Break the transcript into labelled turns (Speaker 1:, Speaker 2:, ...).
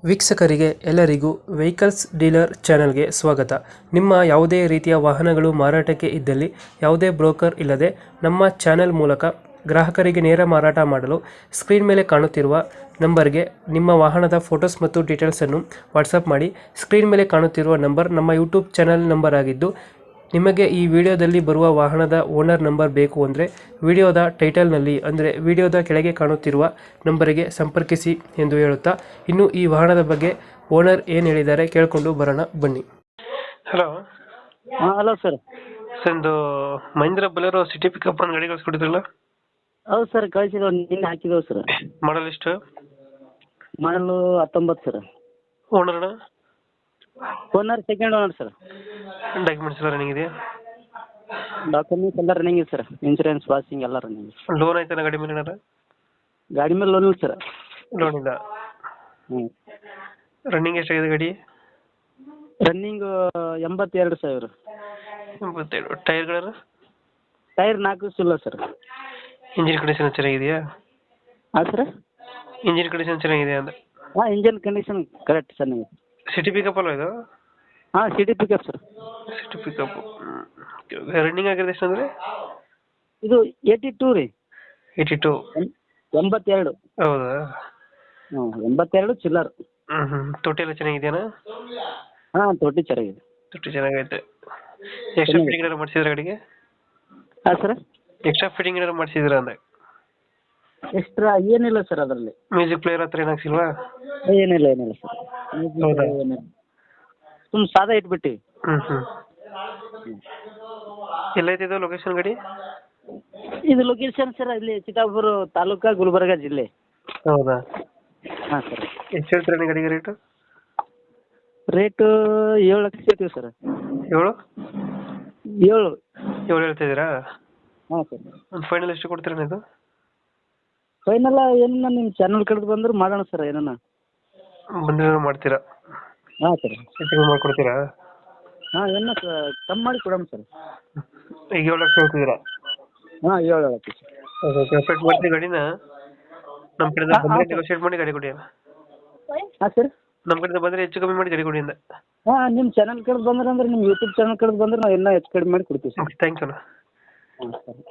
Speaker 1: ವೀಕ್ಷಕರಿಗೆ ಎಲ್ಲರಿಗೂ vehicles dealer ಚಾನೆಲ್ಗೆ ಸ್ವಾಗತ. ನಿಮ್ಮ ಯಾವುದೇ ರೀತಿಯ ವಾಹನಗಳು ಮಾರಾಟಕ್ಕೆ ಇದ್ದಲ್ಲಿ ಯಾವುದೇ ಬ್ರೋಕರ್ ಇಲ್ಲದೆ ನಮ್ಮ ಚಾನೆಲ್ ಮೂಲಕ ಗ್ರಾಹಕರಿಗೆ ನೇರ ಮಾರಾಟ ಮಾಡಲು ಸ್ಕ್ರೀನ್ ಮೇಲೆ ಕಾಣುತ್ತಿರುವ ನಂಬರ್ಗೆ ನಿಮ್ಮ ವಾಹನದ ಫೋಟೋಸ್ ಮತ್ತು ಡೀಟೇಲ್ಸನ್ನು ವಾಟ್ಸಪ್ ಮಾಡಿ. ಸ್ಕ್ರೀನ್ ಮೇಲೆ ಕಾಣುತ್ತಿರುವ ನಂಬರ್ ನಮ್ಮ ಯೂಟ್ಯೂಬ್ ಚಾನೆಲ್ ನಂಬರ್ ಆಗಿದ್ದು, ನಿಮಗೆ ಈ ವಿಡಿಯೋದಲ್ಲಿ ಬರುವ ವಾಹನದ ಓನರ್ ನಂಬರ್ ಬೇಕು ಅಂದರೆ ವಿಡಿಯೋದ ಟೈಟಲ್ನಲ್ಲಿ ಅಂದರೆ ವಿಡಿಯೋದ ಕೆಳಗೆ ಕಾಣುತ್ತಿರುವ ನಂಬರಿಗೆ ಸಂಪರ್ಕಿಸಿ ಎಂದು ಹೇಳುತ್ತಾ, ಇನ್ನು ಈ ವಾಹನದ ಬಗ್ಗೆ ಓನರ್ ಏನು ಹೇಳಿದ್ದಾರೆ ಕೇಳಿಕೊಂಡು ಬರೋಣ ಬನ್ನಿ. ಹಲೋ.
Speaker 2: ಹಾಂ ಹಲೋ ಸರ್.
Speaker 1: ಒಂದು ಮಹೀಂದ್ರ ಬೊಲೆರೋ ಸಿಟಿ ಪಿಕಪ್ ಒಂದು ಗಾಡಿ ಕಳಿಸ್ಕೊಟ್ಟಿದ್ರಲ್ಲ?
Speaker 2: ಹೌದು ಸರ್, ಕಳಿಸಿರೋ ನಿನ್ನೆ ಹಾಕಿದೆವು ಸರ್.
Speaker 1: ಮಾಡಲ್ ಎಷ್ಟು?
Speaker 2: Model 19 sir.
Speaker 1: ಓನರ್ನ?
Speaker 2: Owner second owner sir.
Speaker 1: Documents ಎಲ್ಲ ರನ್ನಿಂಗ್ ಇದೆಯಾ?
Speaker 2: ಡಾಕ್ಯುಮೆಂಟ್ಸ್ ಎಲ್ಲ ರನ್ನಿಂಗ್ ಇದೆ ಸರ್. ಇನ್ಸೂರೆನ್ಸ್ ಪಾಸಿಂಗ್ ಎಲ್ಲ ರನ್ನಿಂಗ್.
Speaker 1: ಲೋನ್ ಆಯ್ತಾನ ಗಾಡಿ ಮೇಲೆ ಏನಾರ?
Speaker 2: ಗಾಡಿ ಮೇಲೆ ಲೋನ್ ಇಲ್ಲ ಸರ್.
Speaker 1: ಲೋನ್ ಇಲ್ಲ.
Speaker 2: ಹ್ಞೂ.
Speaker 1: ರನ್ನಿಂಗ್ ಎಷ್ಟಾಗಿದೆ ಗಾಡಿ?
Speaker 2: ರನ್ನಿಂಗ್ 82,000.
Speaker 1: 82. ಟೈರ್ಗಳನ್ನು?
Speaker 2: ಟೈರ್ 4 ಇಲ್ಲ ಸರ್.
Speaker 1: ಇಂಜಿನ್ ಕಂಡೀಷನ್ ಚೆನ್ನಾಗಿದೆಯಾ?
Speaker 2: ಹಾಂ ಸರ್.
Speaker 1: ಇಂಜಿನ್ ಕಂಡೀಷನ್ ಚೆನ್ನಾಗಿದೆಯಾ ಅಂದೆ?
Speaker 2: ಹಾಂ, ಇಂಜನ್ ಕಂಡೀಷನ್ ಕರೆಕ್ಟ್ ಚೆನ್ನಾಗಿದೆ.
Speaker 1: ಸಿಟಿ ಪಿಕಪ್ ಅಲ್ವಾ ಇದು?
Speaker 2: ಹಾಂ, city pickup sir.
Speaker 1: City pickup. Running ಆಗಿರೋದು ಎಷ್ಟು ಅಂದರೆ?
Speaker 2: ಇದು 82 ರೀ.
Speaker 1: 82.
Speaker 2: 82.
Speaker 1: ಹೌದಾ?
Speaker 2: ಹ್ಞೂ, 82 ಚಿಲ್ಲರ್.
Speaker 1: ತೊಟ್ಟಿ ಎಲ್ಲ ಚೆನ್ನಾಗಿದೆಯಾ?
Speaker 2: ಹಾಂ, ತೊಟ್ಟಿ ಚೆನ್ನಾಗಿದೆ.
Speaker 1: ತೊಟ್ಟಿ ಚೆನ್ನಾಗೈತೆ. ಎಕ್ಸ್ಟ್ರಾ ಫಿಟ್ಟಿಂಗ್ ಏನಾರು ಮಾಡಿಸಿದ್ರೆ ಗಾಡಿಗೆ?
Speaker 2: ಹಾಂ ಸರ್.
Speaker 1: ಎಕ್ಸ್ಟ್ರಾ ಫಿಟ್ಟಿಂಗ್ ಏನಾರು ಮಾಡಿಸಿದ್ರ ಅಂದೆ?
Speaker 2: ಎಕ್ಸ್ಟ್ರಾ ಏನಿಲ್ಲ ಸರ್ ಅದರಲ್ಲಿ.
Speaker 1: ಮ್ಯೂಸಿಕ್ ಪ್ಲೇಯರ್ ಹತ್ರ ಏನು ಹಾಕ್ಸಿಲ್ವಾ?
Speaker 2: ಏನಿಲ್ಲ ಸರ್.
Speaker 1: ಹೌದಾ?
Speaker 2: ಸುಮ್ಮನೆ ಸಾದಾ ಇಟ್ಬಿಟ್ಟಿವಿ.
Speaker 1: ಎಲ್ಲೈತೆ ಇದು ಲೊಕೇಶನ್ ಗಾಡಿ?
Speaker 2: ಇದು ಲೊಕೇಶನ್ ಸರ್ ಇಲ್ಲಿ ಚಿತ್ತಾಪುರ ತಾಲೂಕಾ, ಗುಲ್ಬರ್ಗ ಜಿಲ್ಲೆ.
Speaker 1: ಹೌದಾ?
Speaker 2: ಹಾಂ ಸರ್.
Speaker 1: ಎಷ್ಟು ಹೇಳ್ತೀರಾ ಗಾಡಿಗೆ ರೇಟು?
Speaker 2: ರೇಟು 7 ಲಕ್ಷ ಹೇಳ್ತೀವಿ ಸರ್.
Speaker 1: 7?
Speaker 2: 7.
Speaker 1: 7 ಹೇಳ್ತಿದ್ದೀರಾ?
Speaker 2: ಹಾಂ ಸರ್.
Speaker 1: ಒಂದು ಫೈನಲ್ ಎಷ್ಟು ಕೊಡ್ತೀರಾ ಇದು?
Speaker 2: ಫೈನಲ್ ಏನನ್ನ ನಿಮ್ಮ ಚಾನಲ್ ಕಡೆದು ಬಂದ್ರೆ ಮಾಡೋಣ ಸರ್. ಏನನ್ನ
Speaker 1: ಬಂದ್ರೆ ಮಾಡ್ತೀರಾ?
Speaker 2: ಹಾಂ ಸರ್.
Speaker 1: ಹೆಚ್ಚಿಗೆ ಮಾಡ್ಕೊಡ್ತೀರಾ?
Speaker 2: ಹಾಂ, ಏನ ಕಮ್ಮಿ ಮಾಡಿ ಕೊಡೋಣ ಸರ್.
Speaker 1: ಈಗ 7 ಲಕ್ಷ ಹೇಳ್ತಿದ್ದೀರಾ?
Speaker 2: ಹಾಂ, 7 ಲಕ್ಷ ಸರ್.
Speaker 1: ಓಕೆ, ಕಂಪ್ಲೀಟ್ ಮಾಡ್ತೀವಿ ಗಾಡಿನ. ನಮ್ಮ ಕಡೆಯಿಂದ ಬಂದರೆ ನೆಗೋಷಿಯೇಟ್ ಮಾಡಿ ಗಾಡಿ ಕೊಡಿ.
Speaker 2: ಹಾಂ ಸರ್.
Speaker 1: ನಮ್ಮ ಕಡೆಯಿಂದ ಬಂದರೆ ಹೆಚ್ಚು ಕಮ್ಮಿ ಮಾಡಿ ಗಾಡಿ ಕೊಡಿ ಅಂದೆ.
Speaker 2: ಹಾಂ, ನಿಮ್ಮ ಚಾನಲ್ ಕಡೆದು ಬಂದ್ರೆ ನಿಮ್ಮ ಯೂಟ್ಯೂಬ್ ಚಾನಲ್ ಕಡೆದು ಬಂದ್ರೆ ನಾವು ಇನ್ನೂ ಹೆಚ್ಚು ಕಡಿಮೆ ಮಾಡಿ ಕೊಡ್ತೀವಿ ಸರ್.
Speaker 1: ಓಕೆ, ಥ್ಯಾಂಕ್ಸ್ ಅಣ್ಣ.
Speaker 2: ಹಾಂ ಸರ್.